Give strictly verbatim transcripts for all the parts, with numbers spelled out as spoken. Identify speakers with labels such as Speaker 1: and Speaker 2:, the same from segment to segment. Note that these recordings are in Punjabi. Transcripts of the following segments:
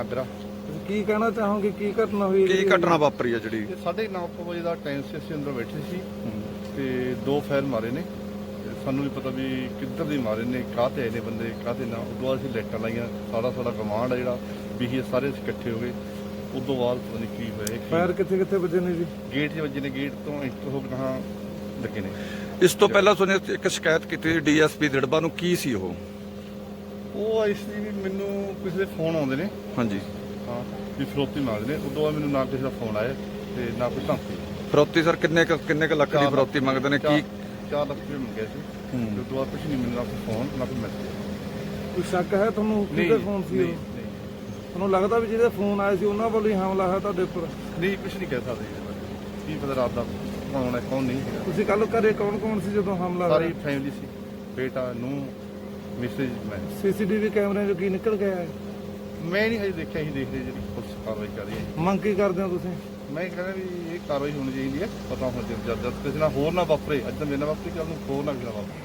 Speaker 1: ਨਾਗਰਾ।
Speaker 2: ਕੀ ਕਹਿਣਾ ਚਾਹੋਗੇ, ਕੀ ਘਟਨਾ ਹੋਈ,
Speaker 3: ਕੀ ਘਟਨਾ ਵਾਪਰੀ ਆ ਜਿਹੜੀ?
Speaker 1: ਸਾਢੇ ਨੌ ਕੁ ਵਜੇ ਦਾ ਟਾਈਮ ਸੀ, ਅਸੀਂ ਅੰਦਰ ਬੈਠੇ ਸੀ ਤੇ ਦੋ ਫਾਇਰ ਮਾਰੇ ਨੇ। ਸਾਨੂੰ ਨਹੀਂ ਪਤਾ ਵੀ ਕਿੱਧਰ ਦੀ ਮਾਰੇ ਨੇ, ਕਾਹਤੇ ਆਏ ਨੇ ਬੰਦੇ, ਕਾਹਤੇ ਨਾ। ਉਦੋਂ ਬਾਅਦ ਅਸੀਂ ਲਾਈਟਾਂ ਲਾਈਆਂ, ਸਾਡਾ ਸਾਡਾ ਕਮਾਂਡ ਆ ਜਿਹੜਾ ਵੀ ਇਹ ਸਾਰੇ ਅਸੀਂ ਇਕੱਠੇ ਹੋ ਗਏ। ਉਦੋਂ ਬਾਅਦ ਪਤਾ ਨਹੀਂ ਕੀ ਹੋਇਆ।
Speaker 2: ਫਾਇਰ ਕਿੱਥੇ ਕਿੱਥੇ ਵੱਜੇ ਨੇ ਜੀ?
Speaker 1: ਗੇਟ 'ਚ ਵੱਜੇ ਨੇ, ਗੇਟ ਤੋਂ ਇੰਟਰ ਹੋ ਕੇ ਕਹਾਂ ਲੱਗੇ ਨੇ।
Speaker 3: ਇਸ ਤੋਂ ਪਹਿਲਾਂ ਸੁਣਿਆ ਇੱਕ ਸ਼ਿਕਾਇਤ ਕੀਤੀ ਡੀਐਸਪੀ ਦਿੜਬਾ ਨੂੰ, ਕੀ ਸੀ ਉਹ?
Speaker 1: ਉਹ ਇਸ ਲਈ ਵੀ ਮੈਨੂੰ ਕਿਸੇ ਦੇ ਫੋਨ ਆਉਂਦੇ ਨੇ,
Speaker 3: ਹਾਂਜੀ
Speaker 1: ਹਾਂ, ਵੀ ਫਰੋਤੀ ਮੰਗਦੇ ਨੇ। ਉਦੋਂ ਬਾਅਦ ਮੈਨੂੰ ਨਾ ਕਿਸੇ ਦਾ ਫੋਨ ਆਇਆ ਤੇ ਨਾ ਕੋਈ ਧਮਕੀ।
Speaker 3: ਫਰੋਤੀ ਸਰ ਕਿੰਨੇ ਕੁ- ਕਿੰਨੇ ਕੁ ਲੱਖ ਦੀ ਫਰੋਤੀ ਮੰਗਦੇ ਨੇ? ਕੀ
Speaker 1: ਚਾਰ ਲੱਖ ਰੁਪਏ ਮੰਗਿਆ ਸੀ। ਉਸ ਤੋਂ ਬਾਅਦ ਕੁਝ ਨਹੀਂ ਮਿਲਣਾ, ਕੋਈ ਫੋਨ ਨਾ ਕੋਈ ਮੈਸੇਜ।
Speaker 2: ਕੋਈ ਸ਼ੱਕ ਹੈ ਤੁਹਾਨੂੰ ਕਿਹਦੇ ਫੋਨ ਸੀ ਉਹ? ਤੁਹਾਨੂੰ ਲੱਗਦਾ ਵੀ ਜਿਹਦੇ ਫੋਨ ਆਏ ਸੀ ਉਹਨਾਂ ਵੱਲੋਂ ਹੀ ਹਮਲਾ ਹੈ ਤੁਹਾਡੇ ਉੱਪਰ?
Speaker 1: ਨਹੀਂ, ਕੁਝ ਨਹੀਂ ਕਹਿ ਸਕਦੇ ਇਹਦੇ ਬਾਰੇ। ਕੀ ਪਤਾ ਰਾਤ ਦਾ ਕੌਣ ਹੈ ਕੌਣ ਨਹੀਂ ਹੈਗਾ।
Speaker 2: ਤੁਸੀਂ ਕੱਲ ਘਰੇ ਕੌਣ ਕੌਣ ਸੀ ਜਦੋਂ ਹਮਲਾ ਹੋਇਆ?
Speaker 1: ਸਾਰੀ ਫੈਮਿਲੀ ਸੀ, ਬੇਟਾ, ਨੂੰਹ, ਮਿਸੇਜ, ਮੈਂ।
Speaker 2: ਸੀਸੀਟੀਵੀ ਕੈਮਰਿਆਂ 'ਚੋਂ ਕੀ ਨਿਕਲ ਗਿਆ ਹੈ?
Speaker 1: ਮੈਂ ਨਹੀਂ ਹਜੇ ਦੇਖਿਆ, ਅਸੀਂ ਦੇਖਦੇ ਜਿਹੜੀ ਪੁਲਿਸ ਕਾਰਵਾਈ ਕਰ ਰਹੀ ਹੈ।
Speaker 2: ਮੰਗ ਕੀ ਕਰਦੇ ਹੋ ਤੁਸੀਂ?
Speaker 1: ਮੈਂ ਕਹਿੰਦਾ ਵੀ ਇਹ ਕਾਰਵਾਈ ਹੋਣੀ ਚਾਹੀਦੀ ਹੈ, ਪਤਾ ਹੋਣਾ ਚਾਹੀਦਾ ਜਦ ਜਦ ਕਿਸੇ ਨਾਲ ਹੋਰ ਨਾ ਵਾਪਰੇ। ਅੱਜ ਤਾਂ ਮੇਰੇ ਨਾਲ ਵਾਪਰੀ, ਕੱਲ ਨੂੰ ਹੋਰ ਨਾ ਕਿਸੇ ਨਾਲ ਵਾਪਰੇ।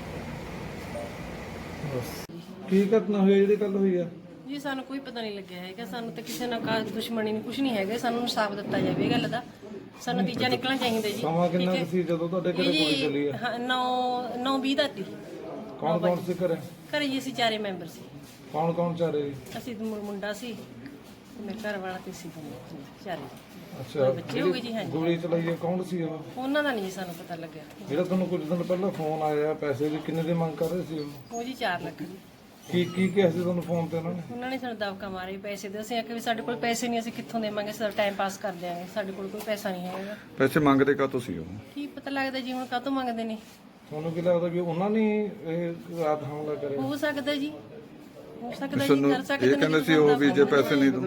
Speaker 2: ਕੀ ਘਟਨਾ ਹੋਈ ਜਿਹੜੀ ਕੱਲ ਹੋਈ ਆ?
Speaker 4: ਜੀ ਸਾਨੂੰ ਕੋਈ ਪਤਾ ਨਹੀਂ ਲੱਗਿਆ ਹੈਗਾ, ਸਾਨੂੰ ਤਾਂ ਕਿਸੇ ਨਾਲ ਕਾ ਦੁਸ਼ਮਣੀ ਨਹੀਂ, ਕੁਝ ਨਹੀਂ ਹੈਗਾ। ਸਾਨੂੰ ਇਨਸਾਫ ਦਿੱਤਾ ਜਾਵੇ ਇਹ ਗੱਲ ਦਾ, ਸਾਨੂੰ ਨਤੀਜਾ ਨਿਕਲਣਾ ਚਾਹੀਦਾ ਜੀ।
Speaker 2: ਸਮਾਂ ਕਿੰਨਾ ਕੁ ਸੀ ਜਦੋਂ ਤੁਹਾਡੇ ਘਰੇ ਗੋਲੀ ਚੱਲੀ ਆ?
Speaker 4: ਹਾਂ, ਨੌ ਨੌ ਵੀਹ ਦਾ ਸੀ।
Speaker 2: ਕੌਣ ਕੌਣ ਸੀ ਘਰੇ?
Speaker 4: ਘਰੇ ਜੀ ਅਸੀਂ ਚਾਰੇ ਮੈਂਬਰ ਸੀ।
Speaker 2: ਕੌਣ ਕੌਣ ਚਾਰੇ ਜੀ?
Speaker 4: ਅਸੀਂ ਤੇ ਮੁੰ- ਮੁੰਡਾ ਸੀ ਤੇ ਮੇਰੇ ਘਰ ਵਾਲਾ ਤੇ ਸੀ ਦੋਨੇ, ਚਾਰੇ।
Speaker 2: ਅੱਛਾ,
Speaker 4: ਬੱਚੇ ਹੋ ਗਏ ਜੀ। ਹਾਂਜੀ,
Speaker 2: ਗੋਲੀ ਚਲਾਈ ਆ ਕੌਣ ਸੀ ਉਹ?
Speaker 4: ਉਹਨਾਂ ਦਾ ਨਹੀਂ ਸਾਨੂੰ ਪਤਾ ਲੱਗਿਆ।
Speaker 2: ਜਿਹੜਾ ਤੁਹਾਨੂੰ ਕੁਝ ਦਿਨ ਪਹਿਲਾਂ ਫੋਨ ਆਇਆ ਪੈਸੇ ਦੀ, ਕਿੰਨੇ ਦੀ ਮੰਗ ਕਰ ਰਹੇ ਸੀ ਉਹ?
Speaker 4: ਉਹ ਜੀ ਚਾਰ ਲੱਖ ਦੀ।
Speaker 2: ਕੀ ਕੀ ਕਿਹਾ ਸੀ ਤੁਹਾਨੂੰ ਫੋਨ ਤੇ ਉਹਨਾਂ ਨੇ?
Speaker 4: ਉਹਨਾਂ ਨੇ ਸਾਨੂੰ ਦਬਕਾ ਮਾਰੇ ਪੈਸੇ ਦੇ। ਅਸੀਂ ਆਖਿਆ ਵੀ ਸਾਡੇ ਕੋਲ ਪੈਸੇ ਨਹੀਂ, ਅਸੀਂ ਕਿੱਥੋਂ ਦੇਵਾਂਗੇ, ਸਾਡਾ ਟਾਈਮ ਪਾਸ ਕਰ ਦਿਆਂਗੇ, ਸਾਡੇ ਕੋਲ ਕੋਈ ਪੈਸਾ ਨਹੀਂ ਹੈਗਾ।
Speaker 3: ਪੈਸੇ ਮੰਗਦੇ ਕਾਹਤੋਂ ਸੀ ਉਹ?
Speaker 4: ਕੀ ਪਤਾ ਲੱਗਦਾ ਜੀ ਹੁਣ ਕਾਹਤੋਂ ਮੰਗਦੇ ਨੇ।
Speaker 2: ਤੁਹਾਨੂੰ ਕੀ ਲੱਗਦਾ ਵੀ ਉਹਨਾਂ ਨੇ ਇਹ ਰਾਤ ਹਮਲਾ ਕਰਿਆ?
Speaker 4: ਹੋ ਸਕਦਾ ਜੀ, ਹੋ ਸਕਦਾ ਜੀ,
Speaker 3: ਸਾਨੂੰ
Speaker 4: ਕਰ ਸਕਦੇ
Speaker 3: ਇਹ
Speaker 4: ਨੇ
Speaker 3: ਕਹਿੰਦੇ
Speaker 4: ਜੀ,
Speaker 3: ਸੀ ਉਹ ਵੀ ਜੇ ਪੈਸੇ ਨਹੀਂ ਦੋ।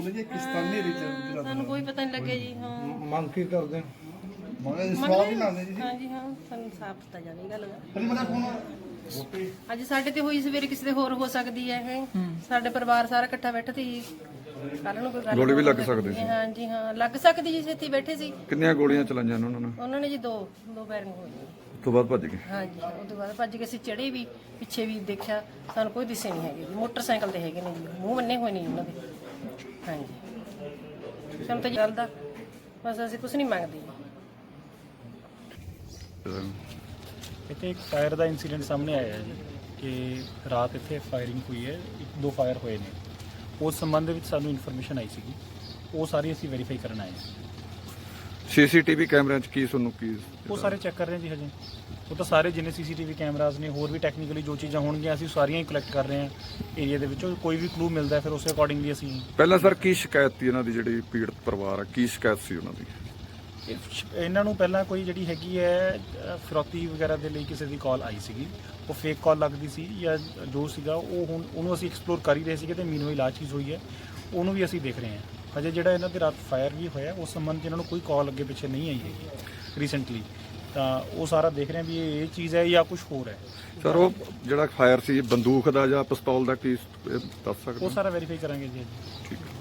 Speaker 4: ਸਾਨੂੰ ਕੋਈ ਪਤਾ ਨਹੀਂ ਲੱਗਿਆ ਜੀ। ਹਾਂ,
Speaker 2: ਮੰਗ ਕੀ ਕਰਦੇ ਹੋ?
Speaker 4: ਮੰਗਦੇ ਹਾਂਜੀ, ਹਾਂ, ਸਾਨੂੰ ਸਾਫ ਦਿੱਤਾ ਜਾਵੇ ਇਹ ਗੱਲ ਦਾ। ਅੱਜ ਸਾਡੇ ਤੇ ਹੋਈ, ਸਵੇਰੇ ਕਿਸੇ ਦੇ ਹੋਰ ਹੋ ਸਕਦੀ ਹੈ ਇਹ। ਸਾਡੇ ਪਰਿਵਾਰ ਸਾਰਾ ਇਕੱਠਾ ਬੈਠਾ ਸੀ, ਕੱਲ ਨੂੰ ਕੋਈ ਗੱਲ
Speaker 3: ਗੋਲੀ ਵੀ ਲੱਗ ਸਕਦੀ ਸੀ।
Speaker 4: ਹਾਂਜੀ ਹਾਂ, ਲੱਗ ਸਕਦੀ ਜੀ, ਇੱਥੇ ਬੈਠੇ ਸੀ।
Speaker 3: ਕਿੰਨੀਆਂ ਗੋਲੀਆਂ ਚਲਾਈਆਂ ਉਹਨਾਂ ਨੇ?
Speaker 4: ਉਹਨਾਂ ਨੇ ਜੀ ਦੋ ਦੋ ਫਾਇਰਿੰਗ ਹੋਈ।
Speaker 3: ਉਸ ਤੋਂ ਬਾਅਦ ਭੱਜ ਗਏ।
Speaker 4: ਹਾਂਜੀ, ਉਹ ਤੋਂ ਬਾਅਦ ਭੱਜ ਕੇ ਅਸੀਂ ਚੜੇ ਵੀ, ਪਿੱਛੇ ਵੀ ਦੇਖਿਆ, ਸਾਨੂੰ ਕੋਈ ਦਿਸੇ ਨਹੀਂ ਹੈਗੇ ਜੀ। ਮੋਟਰਸਾਈਕਲ ਤੇ ਹੈਗੇ ਨੇ ਜੀ, ਮੂੰਹ ਬੰਨੇ ਹੋਏ ਨੇ ਉਹਨਾਂ ਦੇ। ਹਾਂਜੀ, ਸਾਨੂੰ ਤਾਂ ਚੱਲਦਾ, ਬਸ ਅਸੀਂ ਕੁਝ ਨਹੀਂ ਮੰਗਦੇ ਜੀ।
Speaker 5: ਇੱਥੇ ਇੱਕ ਫਾਇਰ ਦਾ ਇਨਸੀਡੈਂਟ ਸਾਹਮਣੇ ਆਇਆ ਹੈ ਜੀ ਕਿ ਰਾਤ ਇੱਥੇ ਫਾਇਰਿੰਗ ਹੋਈ ਹੈ, ਇੱਕ ਦੋ ਫਾਇਰ ਹੋਏ ਨੇ। ਉਸ ਸੰਬੰਧ ਦੇ ਵਿੱਚ ਸਾਨੂੰ ਇਨਫੋਰਮੇਸ਼ਨ ਆਈ ਸੀਗੀ, ਉਹ ਸਾਰੀ ਅਸੀਂ ਵੈਰੀਫਾਈ ਕਰਨ ਆਏ ਹਾਂ।
Speaker 3: ਸੀਸੀਟੀਵੀ ਕੈਮਰਿਆਂ 'ਚ ਕੀ ਤੁਹਾਨੂੰ ਕੀ?
Speaker 5: ਉਹ ਸਾਰੇ ਚੈੱਕ ਕਰ ਰਹੇ ਹਾਂ ਜੀ ਹਜੇ। ਉਹ ਤਾਂ ਸਾਰੇ ਜਿੰਨੇ ਸੀਸੀਟੀਵੀ ਕੈਮਰਾਜ਼ ਨੇ, ਹੋਰ ਵੀ ਟੈਕਨੀਕਲੀ ਜੋ ਚੀਜ਼ਾਂ ਹੋਣਗੀਆਂ, ਅਸੀਂ ਸਾਰੀਆਂ ਹੀ ਕਲੈਕਟ ਕਰ ਰਹੇ ਹਾਂ ਏਰੀਆ ਦੇ ਵਿੱਚੋਂ। ਕੋਈ ਵੀ ਕਲੂ ਮਿਲਦਾ ਫਿਰ ਉਸੇ ਅਕੋਰਡਿੰਗਲੀ ਅਸੀਂ।
Speaker 3: ਪਹਿਲਾਂ ਸਰ ਕੀ ਸ਼ਿਕਾਇਤ ਸੀ ਇਹਨਾਂ ਦੀ, ਜਿਹੜੀ ਪੀੜਤ ਪਰਿਵਾਰ ਆ, ਕੀ ਸ਼ਿਕਾਇਤ ਸੀ ਉਹਨਾਂ ਦੀ?
Speaker 5: ਇਹਨਾਂ ਨੂੰ ਪਹਿਲਾਂ ਕੋਈ ਜਿਹੜੀ ਹੈਗੀ ਹੈ ਫਿਰੌਤੀ ਵਗੈਰਾ ਦੇ ਲਈ ਕਿਸੇ ਦੀ ਕਾਲ ਆਈ ਸੀਗੀ, ਉਹ ਫੇਕ ਕਾਲ ਲੱਗਦੀ ਸੀ ਜਾਂ ਜੋ ਸੀਗਾ ਉਹ ਹੁਣ ਉਹਨੂੰ ਅਸੀਂ ਐਕਸਪਲੋਰ ਕਰ ਹੀ ਰਹੇ ਸੀਗੇ। ਤੇ ਮੀਨਵਾਈਲ ਆ ਚੀਜ਼ ਹੋਈ ਹੈ, ਉਹਨੂੰ ਵੀ ਅਸੀਂ ਦੇਖ ਰਹੇ ਹਾਂ। ਅਜੇ ਜਿਹੜਾ ਇਹਨਾਂ ਦੇ ਰਾਤ ਫਾਇਰ ਵੀ ਹੋਇਆ ਉਸ ਸੰਬੰਧ 'ਚ ਇਹਨਾਂ ਨੂੰ ਕੋਈ ਕਾਲ ਅੱਗੇ ਪਿੱਛੇ ਨਹੀਂ ਆਈ ਹੈਗੀ ਰੀਸੈਂਟਲੀ, ਤਾਂ ਉਹ ਸਾਰਾ ਦੇਖ ਰਹੇ ਹਾਂ ਵੀ ਇਹ ਇਹ ਚੀਜ਼ ਹੈ ਜਾਂ ਕੁਝ ਹੋਰ ਹੈ।
Speaker 3: ਸਰ ਉਹ ਜਿਹੜਾ ਫਾਇਰ ਸੀ ਬੰਦੂਕ ਦਾ ਜਾਂ ਪਿਸਤੌਲ ਦਾ, ਕੀ ਦੱਸ ਸਕਦੇ?
Speaker 5: ਉਹ ਸਾਰਾ ਵੈਰੀਫਾਈ ਕਰਾਂਗੇ ਜੀ।
Speaker 3: ਠੀਕ ਹੈ।